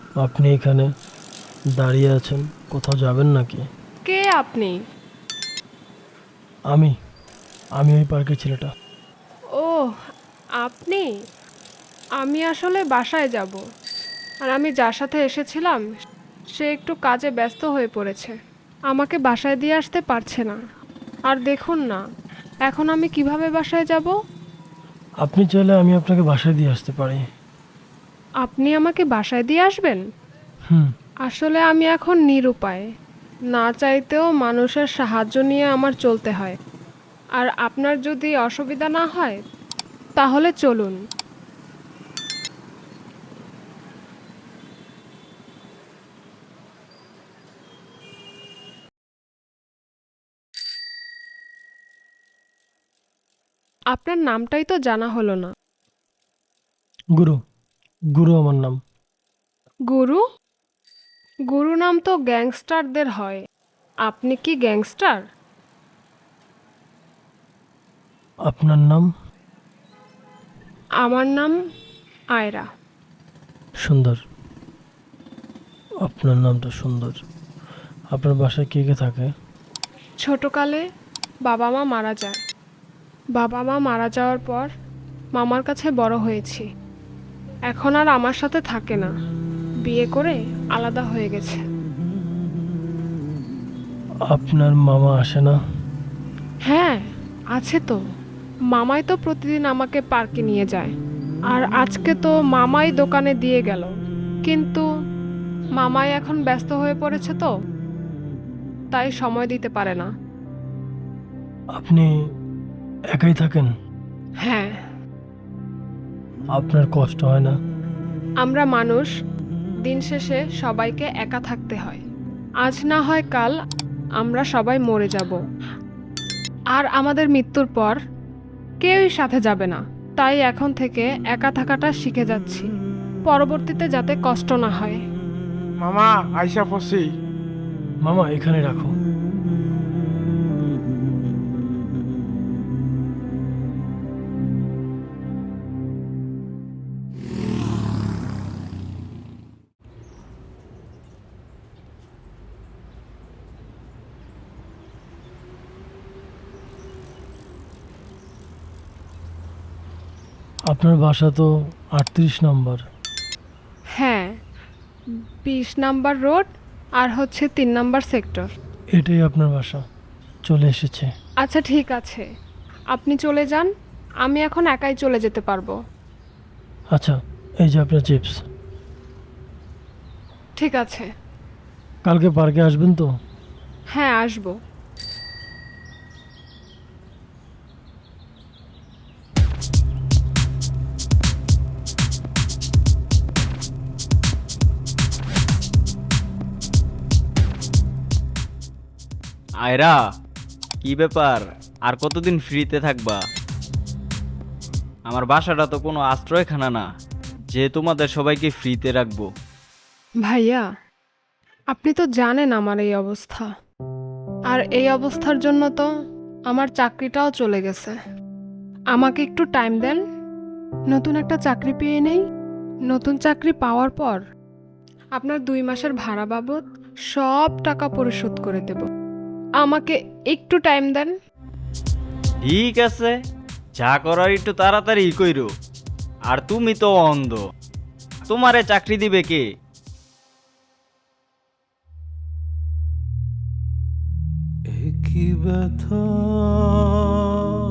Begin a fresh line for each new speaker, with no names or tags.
আপনি এখানে দাঁড়িয়ে আছেন, কোথাও যাবেন নাকি?
কে আপনি?
আমি আমি ওই পার্কের ছেলেটা।
ও, আপনি? আমি আসলে বাসায় যাব। আর আমি যার সাথে এসেছিলাম সে একটু কাজে ব্যস্ত হয়ে পড়েছে। আমাকে বাসায় দিয়ে আসতে পারছে না। আর দেখুন না, এখন আমি কিভাবে বাসায় যাব?
আপনি চাইলে আমি আপনাকে বাসায় দিয়ে আসতে পারি।
আপনি আমাকে বাসায় দিয়ে আসবেন?
হুম।
আসলে আমি এখন নিরুপায়। না চাইতেও মানুষের সাহায্য নিয়ে আমার চলতে হয়। আর আপনার যদি অসুবিধা না হয় তাহলে চলুন। আপনার নামটাই তো জানা হলো না।
গুরু। গুরু আমার নাম।
গুরু? গুরু নাম তো গ্যাংস্টারদের হয়। আপনি কি গ্যাংস্টার?
আপনার নাম?
আমার নাম আয়রা।
সুন্দর। আপনার নামটা সুন্দর। আপনার বাসায় কে কে থাকে?
ছোটকালে বাবা মা মারা যায়। বাবা মা মারা যাওয়ার পর মামার কাছে বড় হয়েছি। এখন আর আমার সাথে থাকে না, বিয়ে করে আলাদা হয়ে গেছে।
আপনার মামা আসে না?
হ্যাঁ, আছে তো। মামাই তো প্রতিদিন আমাকে পার্কে নিয়ে যায়। আর আজকে তো মামাই দোকানে দিয়ে গেল। কিন্তু মামাই এখন ব্যস্ত হয়ে পড়েছে তো, তাই সময় দিতে পারে না।
আপনি একাই থাকেন?
হ্যাঁ।
আপনার কষ্ট হয় না?
আমরা মানুষ, দিন শেষে সবাইকে একা থাকতে হয়। আজ না হয় কাল আমরা সবাই মরে যাব। আর আমাদের মৃত্যুর পর কেউই সাথে যাবে না। তাই এখন থেকে একা থাকাটা শিখে যাচ্ছি, পরবর্তীতে যাতে কষ্ট না হয়।
মামা, আইসা পড়ছি।
মামা এখানে রাখো। আপনার বাসা তো 38 নম্বর।
হ্যাঁ, 20 নাম্বার রোড আর হচ্ছে 3 নাম্বার সেক্টর।
এটাই আপনার বাসা। চলে এসেছে।
আচ্ছা ঠিক আছে, আপনি চলে যান। আমি এখন একাই চলে যেতে পারবো।
আচ্ছা, এই যে আপনার চিপস।
ঠিক আছে।
কালকে পার্কে আসবেন তো?
হ্যাঁ, আসবো।
আয়রা, কি ব্যাপার? আর কতদিন ফ্রিতে থাকবা? আমার বাসাটা তো কোনো আশ্রয়খানা না যে তোমাদের সবাইকে ফ্রিতে রাখবো।
ভাইয়া, আপনি তো জানেন আমার এই অবস্থা। আর এই অবস্থার জন্য তো আমার চাকরিটাও চলে গেছে। আমাকে একটু টাইম দেন, নতুন একটা চাকরি পেয়ে নেই। নতুন চাকরি পাওয়ার পর আপনার 2 মাসের ভাড়া বাবদ সব টাকা পরিশোধ করে দেব। আমাকে একটু টাইম দেন।
ঠিক আছে, যা করার একটু তাড়াতাড়ি কইরো। আর তুমি তো অন্ধ, তোমারে চাকরি দিবে কে?
একই ব্যথা